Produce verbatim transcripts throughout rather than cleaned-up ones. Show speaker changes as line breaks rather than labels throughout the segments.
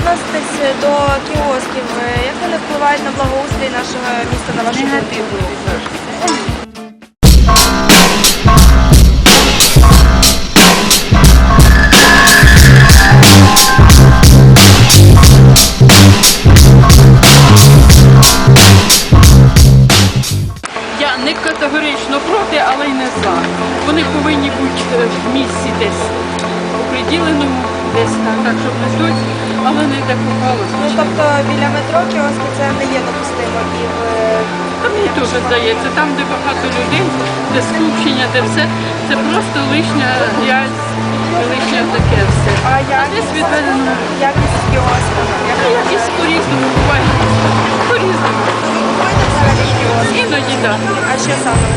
відноситесь до кіосків? Як вони впливають на благоустрій нашого міста, на вашу
Негативно
думку?
відношуся. Я не категорично проти, але й не за. Вони повинні бути в місці десь оприділеному, десь так, щоб не тут, але не де попалося.
Ну, тобто біля метро кіоски це не є допустимо і в...
Та мені теж здається, там, де багато людей, де скупчення, де все, це просто лишня грязь, лишнє таке все.
А
А
якість,
десь відведено.
якість кіоска?
Та якісь по-різному буває. По-різному.
Ви купуєте взагалі кіоски?
Іноді так.
А що саме?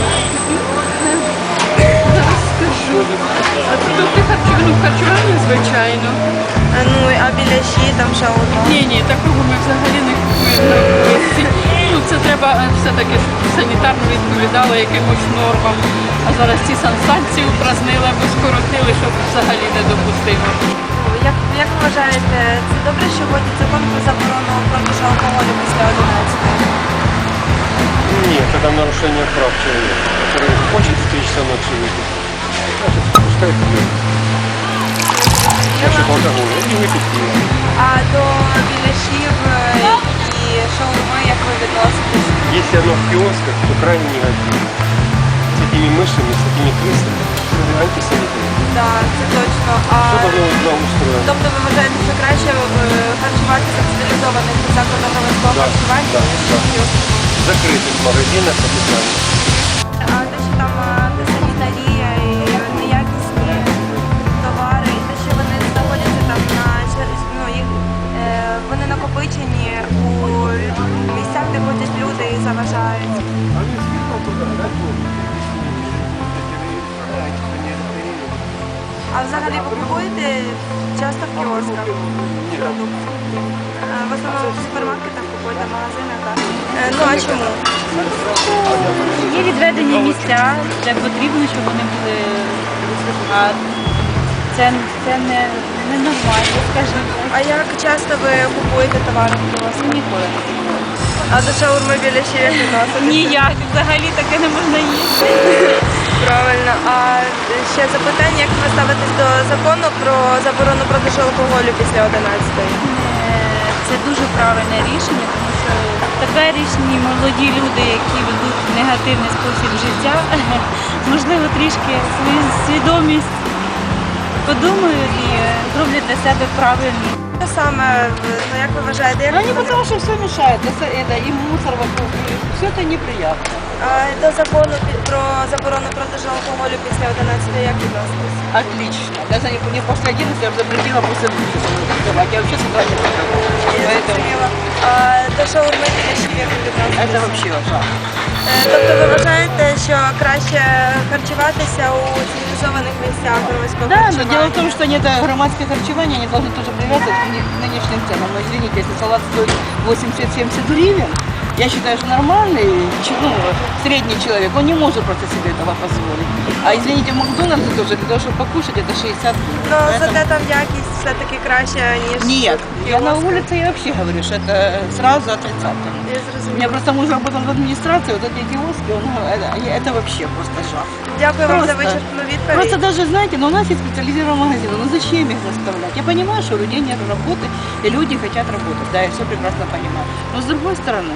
Зараз скажу. А продукти харчування, ну, харчування, звичайно.
А, ну, а біляші, там шаурма?
Ні, ні, такого ми взагалі не купуємо на вулиці. Ну, це треба все-таки, щоб санітарно відповідало якимось нормам. А зараз ці санстанції упразнили або скоротили, щоб взагалі не допустимо.
Як, як ви вважаєте, це добре, що вводять закон про заборону продажу алкоголю після одинадцятої?
Нет, это нарушение прав человека, который хочет встретиться ночью выпить. Значит, пускай пьет. Значит, алкоголь, и выпить пиво.
А до біляшів і шаурми, як ви відноситесь?
Если оно в киосках, то крайне негативно. С этими мышами, с этими крысами, это антисанитарно.
Так, це точно. А,
Все должно быть благоустроено.
тобто ви вважаєте, що краще е, харчуватися в спеціалізованих закладах громадського
Да,
харчування,
да,
ніж
да.
в кіосках?
В закрытых магазинах обязательно.
А те, що там антисанітарія і неякісні товари, і те, що вони знаходяться там на чер- ну, їх, е, вони накопичені у місцях, де ходять люди і заважають. А взагалі ви купуєте часто в кіосках продукти? Е, В основному в супермаркетах купуєте, в магазинах, так? Е, Ну а чому?
Є відведені місця, де потрібно, щоб вони були. А це, це не, не нормально, скажімо так.
А як часто ви купуєте товари в кіосках?
Ніколи.
А до шаурми біля ще як відноситеся?
Ніяк, взагалі таке не можна їсти.
Правильно. А ще запитання, як ви ставитесь до закону про заборону продажу алкоголю після одинадцятої?
Е, Це дуже правильне рішення, тому що теперішні молоді люди, які ведуть негативний спосіб життя, можливо, трішки свою свідомість подумають і зроблять для себе правильно.
Що саме, ну як ви вважаєте, як
Они потому что все мешает, это, это и мусор вокруг, и все это неприятно.
а, до закону пі- про заборону продажу алкоголю після одинадцятої як відноситесь?
Отлично. Даже не, не после одиннадцати, я бы запретила после двенадцати торговать. Я вообще с утра не торговала.
Я
Поэтому
зрозуміла. А до шаурми біля ще як ви відноситесь?
это вообще ужасно.
Е, Тобто ви вважаєте, що краще харчуватися у цивілізованих місцях громадського
Да, но
харчування?
дело в том, что они это громадское харчевание, они должны тоже привязывать к ны- нынешним ценам. Но извините, если салат стоит восемьдесят-семьдесят гривен, я считаю, что нормальный, ч- ну, средний человек, он не может просто себе этого позволить. А извините, в Макдональдсе тоже для того, чтобы покушать, это шестьдесят гривен.
Ну,
Поэтому-
зате там якість все-таки краща, ніж
Нет,
в
я на
кіосках.
улице я вообще говорю, что это сразу отрицательно.
Я
У
зрозуміла.
меня просто муж работал в администрации, вот эти киоски, он, это, это вообще просто жах.
Дякую вам за
Просто-
вичерпну відповідь.
Просто даже, знаете, ну, у нас есть специализированные магазины, ну зачем их заставлять? Я понимаю, что у людей нет работы, и люди хотят работать, да, я все прекрасно понимаю. Но с другой стороны,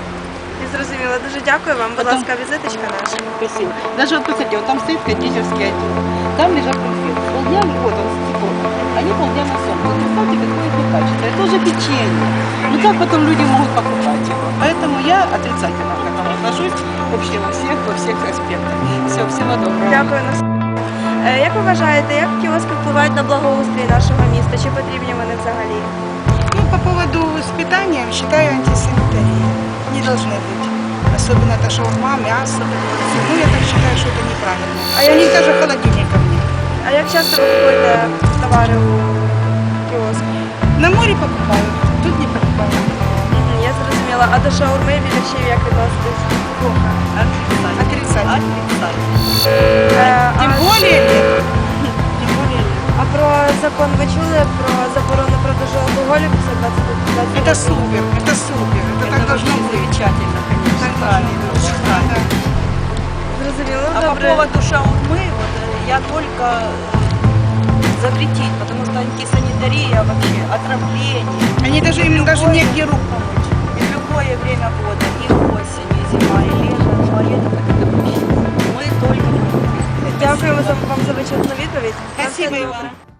Я зрозуміла. Дуже дякую вам. Будь
Потом-
ласка, візиточка наша.
спасибо. Даже вот посмотрите, вот там стоит кондитерский отдел, там лежат конфеты. Полдня, вот он, стекло, они полдня на солнце. Вот представьте, какое это качество. Это уже печенье. Ну как потом люди могут покупать его? Поэтому я отрицательно к этому отношусь вообще во всех, во всех аспектах. Все, всего доброго.
Дякую. на с- Е, Як ви вважаєте, як кіоски впливають на благоустрій нашого міста? Чи потрібні вони взагалі?
Ну, по поводу с питанием, считаю, антисанитария. Не должны быть. Особенно это шаурма, мясо. Ну, я так считаю, что это неправильно.
А
А
я
я
не-
не даже холодильников нет.
А як часто ви купуєте товари у кіоску?
На море покупаю, тут не покупаю.
Мгм, Я зрозуміла. А до шаурми і біляшів як відноситесь?
Плохо. Отрицательно.
Е,
Тем
а-
более нет. Тем более нет.
А про закон ви чули про заборону продажу алкоголю
супер, это супер, это, так должно быть.
Замечательно, конечно,
Так
правильно.
должно быть.
очень правильно.
Да.
Зрозуміло,
А по
добре.
поводу шаурмы, вот, э, я только э, запретить, потому что антисанитария вообще, отравление.
Они даже, им даже
Любое-
негде рук помыть.
И в любое время года, и осень, и зима, и лето, туалетов это допустимо. Мы только...
Дякуємо за- вам за вичерпну відповідь.
Спасибо, Иван.